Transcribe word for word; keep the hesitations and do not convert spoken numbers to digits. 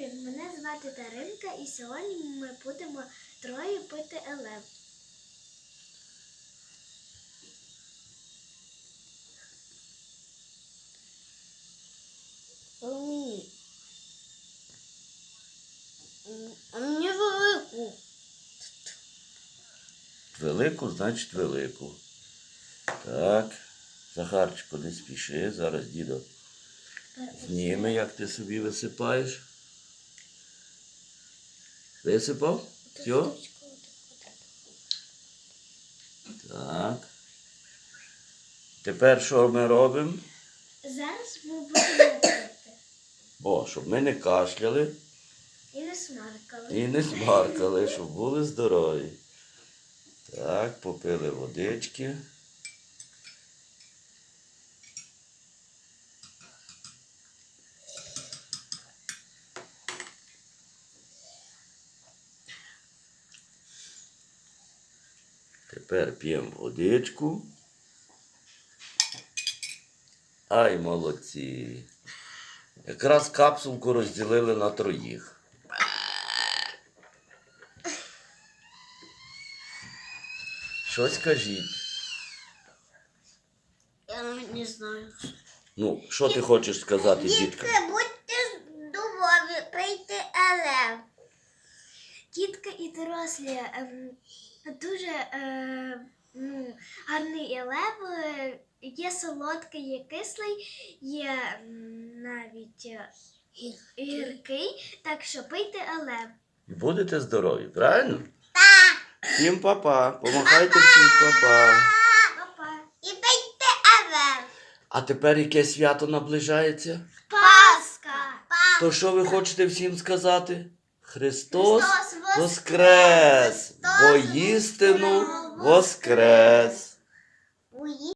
привіт! Мене звати Даринка і сьогодні ми будемо троє пити елев. Мені. А мені велику. Велику, значить велику. Так. Захарчику, не спіши. Зараз дідо зніме, як ти собі висипаєш. Висипав? Все? Так. Тепер що ми робимо? Зараз ми будемо пити. О, щоб ми не кашляли І не смаркали. і не смаркали, щоб були здорові. Так, попили водички. Тепер п'ємо водичку. Ай, молодці. Якраз капсулку розділили на троїх. Щось кажіть. Я навіть не знаю. Ну, що ти хочеш сказати, дітка? Дітки, будьте здорові, пийте елев. Дітки і дорослі, ем, дуже е, ну, гарний елев. е, Є солодкий, є кислий, є м, навіть е, гіркий, так що пийте елев. І будете здорові, правильно? Так. Всім па-па. Помахайте всім па-па. Па-па. І пийте елев. А тепер яке свято наближається? Пасха! То що ви хочете всім сказати? Христос Христос воскрес! воскрес! Воістину воскрес!